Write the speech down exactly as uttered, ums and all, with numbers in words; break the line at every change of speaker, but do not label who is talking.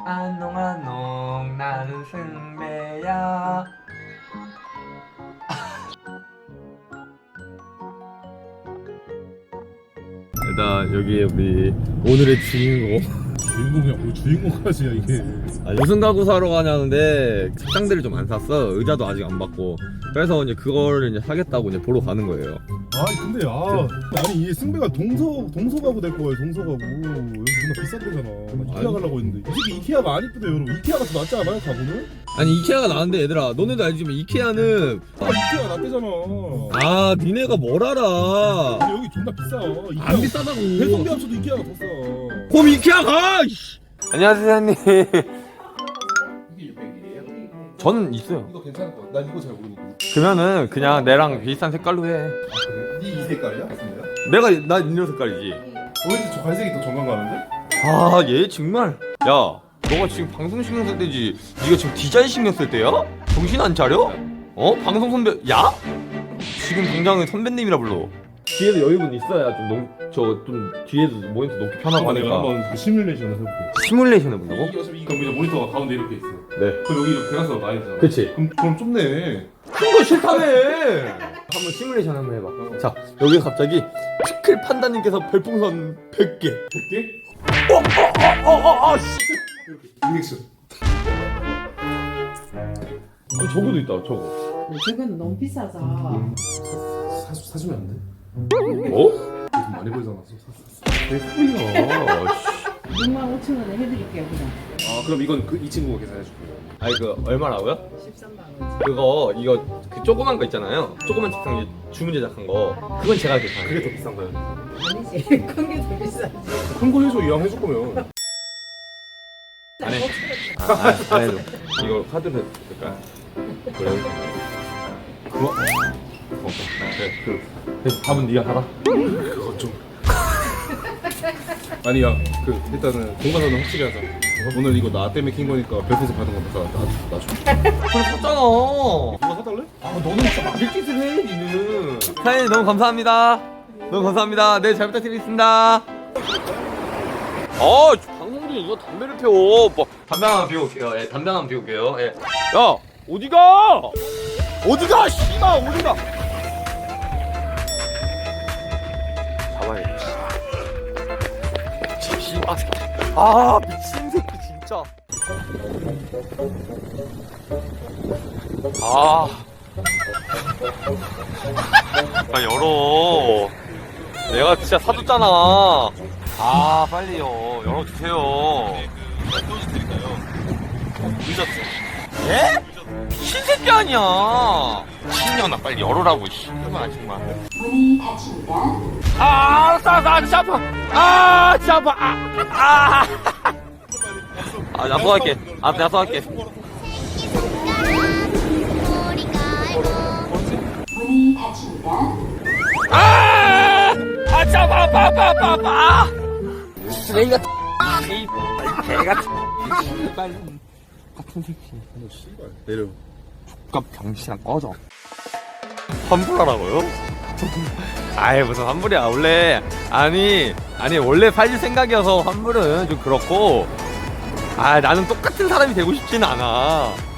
안농안농 나는 승배야.
일단 여기 우리 오늘의 주인공.
주인공이야 뭐 주인공까지야 이게.
아, 무슨 가구 사러 가냐는데 책상들을 좀 안 샀어. 의자도 아직 안 받고. 그래서 이제 그거를 이제 사겠다고 이제 보러 가는 거예요.
아 근데 아 아니 이 승배가 동서 동서 가구 될 거예요. 동서 가구 여기 존나 비싼데잖아. 나 이케아
아니.
가려고 했는데 이 새끼 이케아가 안 이쁘대 여러분. 이케아가 더 낫지 않아요 가구는?
아니 이케아가 나은데 얘들아, 너네도 알지만 이케아는
아 이케아가 낫대잖아.
아 니네가 뭘 알아.
아니 여기 존나 비싸. 이케아
안 비싸다고.
배송비 합쳐도 이케아가 더 싸.
그럼 이케아 가. 이씨. 안녕하세요 사장님.
이게 육백이에요?
저는 있어요.
이거 괜찮을 것 같아. 난 이거 잘 모르니까.
그러면은 그냥 내랑 비슷한 색깔로 해.
아 그래? 이, 이 색깔이야? 승배야?
내가 나 니네 색깔이지.
왠지 저 갈색이 더 정감 가는데?
아 얘 정말. 야 너가 지금 방송 신경 쓸 때지 네가 지금 디자인 신경 쓸 때야? 정신 안 차려? 어? 방송 선배 야? 지금 당장은 선배님이라 불러. 뒤에도 여유분 있어야 좀저좀 뒤에도 모니터 놓기 편하고
내가
하니까.
한번 그 시뮬레이션을 해볼게.
시뮬레이션 해본다고?
이게 어차피 그럼 이제 모니터가 가운데 이렇게 있어.
네.
그럼 여기 이렇게 대각선으로 나야 되잖아.
그치.
그럼 그럼 좁네.
큰 거 싫다며. 한번 시뮬레이션 한번 해봐. 자 여기 갑자기 피클 판다님께서 별풍선 백 개.
백 개?
어어어어어 씨.
리액션.
어, 저거도 있다 저거.
저건 너무 비싸서
사 사주면 안 돼?
어?
돈 많이 벌잖아.
개꿀이야.
육만 오천 원에 해드릴게요 그냥.
아 그럼 이건 그 이 친구가 계산해줄게요.
아니 그 얼마라고요?
십삼만 원.
그거 이거 그 조그만 거 있잖아요. 조그만 책상 이제 주문 제작한 거. 그건 제가 계산해요.
그게 더 비싼 거야.
아니지 큰 게 더 비싸지.
큰 거 해줘 이왕 해줄 거면.
안 해. 아, 아, 안 해도. 이거 카드로 해도 될까요? 그래. 그거? 어, 그래. 그, 그 밥은 네가 하라.
그거 좀. 아니 야그 일단은 공과사는 확실히 하자. 오늘 이거 나 때문에 킨 거니까 별풍선 받은 거 나, 나, 나 줘.
그래 샀잖아.
이거 사달래?
아 너는 진짜 막일 짓을 해 니는. 사장님 너무 감사합니다. 너무 감사합니다. 네 잘 부탁드리겠습니다. 어 방송 중에 이거 담배를 피워. 뭐 담배 하나 피울게요. 예 담배 하나 피울게요. 예. 야 어디가? 어디가? 씨발 어디가? 잡아야지. 씨발. 아 미친 새끼 진짜. 아. 아 열어. 내가 진짜 사줬잖아. 아 빨리요 열어주세요.
또 드릴까요? 늦었어.
예? 미친 새끼 아니야. 미친년아 빨리 열어라고. 씨발 정말.
문이 닫힙니다.
아 알았어 알았어 아 진짜 아파. 아 진짜 아파. 아. 아. 아 약속할게. 아 약속할게.
문이 닫힙니다.
아! 아, 진짜 아파, 아파, 아파, 아파, 아파! 아! 쓰레기 같은, 이, 개 같은, 씨발, 같은 새끼.
씨발 내려.
족갑 병신아 꺼져. 환불하라고요? 아이, 무슨 환불이야. 원래, 아니, 아니, 원래 팔릴 생각이어서 환불은 좀 그렇고, 아, 나는 똑같은 사람이 되고 싶지는 않아.